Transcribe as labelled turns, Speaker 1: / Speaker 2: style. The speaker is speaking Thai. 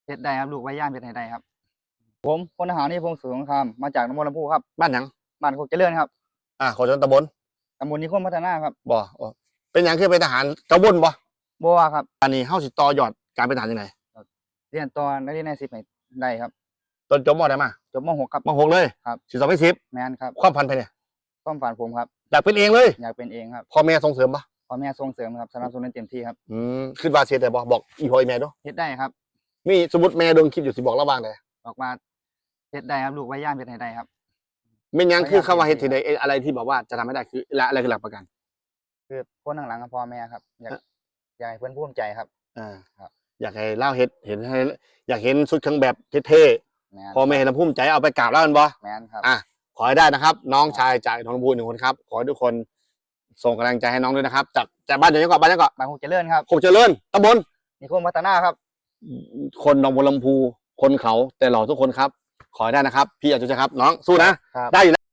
Speaker 1: เพชรได้ครับลูกไว้ย่างเพชรได้ครับผมพลทหารนิพงศ์สุสงครามมาจากหนองบัวลำพูครับ
Speaker 2: บ้านหยัง
Speaker 1: บ้านโคกเจริญครับ
Speaker 2: ขอจนตำบล
Speaker 1: ตำบลนิคมพัฒนาครับ
Speaker 2: บ่เป็นหยังคือเป็นทหารกระบวนบ่
Speaker 1: บัวครับ
Speaker 2: อันนี้เฮาสิต่อยอดการเป็นทหารยังไง
Speaker 1: เรียนตอนนักเรียนใน10ได้ครับ
Speaker 2: ตอนจบม.ได้มา
Speaker 1: จบม.6ครับ
Speaker 2: ม.6เลย
Speaker 1: ครับ
Speaker 2: สิสอบไม่สิบ
Speaker 1: แมนครับ
Speaker 2: ความฝันไปเนี่ย
Speaker 1: ความฝันผมครับ
Speaker 2: อยากเป็นเองเลย
Speaker 1: อยากเป็นเองครับ
Speaker 2: พ่อแม่ส่งเสริมปะ
Speaker 1: พ่อแม่ส่งเสริมครับสนับสนุนเต็มที่ครับ
Speaker 2: ขึ้นบาเสียแต่บอกอีพ่ออีแม่ด้วย
Speaker 1: เพชรได้ครับ
Speaker 2: มีสมมติแม่ดวงคลิปอยู่สิบอกระหว่างเลย
Speaker 1: บอกว่าเพชรได้ครับลูกไว้ย่างเพชรได้ครับ
Speaker 2: ไม่ยังคือคำว่าเฮ็ดที่ใดอะไรที่บอกว่าจะทำให้ได้คืออะไรคือหลักประกัน
Speaker 1: คือคนข้างหลังกับพ่อแม่ครับอยากให้เพื่อนภูมิใจครับ
Speaker 2: ครับอยากให้เล่าเห็นให้อยากเห็นชุดเครื่องแบบเท่ๆพ่อแม่เห็นแล้วภูมิใจเอาไปกราบแล้วกันบ่
Speaker 1: แมนครับ
Speaker 2: ขอให้ได้นะครับน้องชายจากหนองบัว1 คนครับขอให้ทุกคนส่งกำลังใจให้น้องด้วยนะครับจากบ้านยังเกาะบ้าน
Speaker 1: โคกเจริญครับ
Speaker 2: โคกเจริญตำบล
Speaker 1: นิคมพัฒนาครับ
Speaker 2: คนหนองบัวลำพูคนเขาแต่หล่อทุกคนครับขอให้ได้นะครับพี่อาจุจะครับน้องสู้นะได้อยู่แล้ว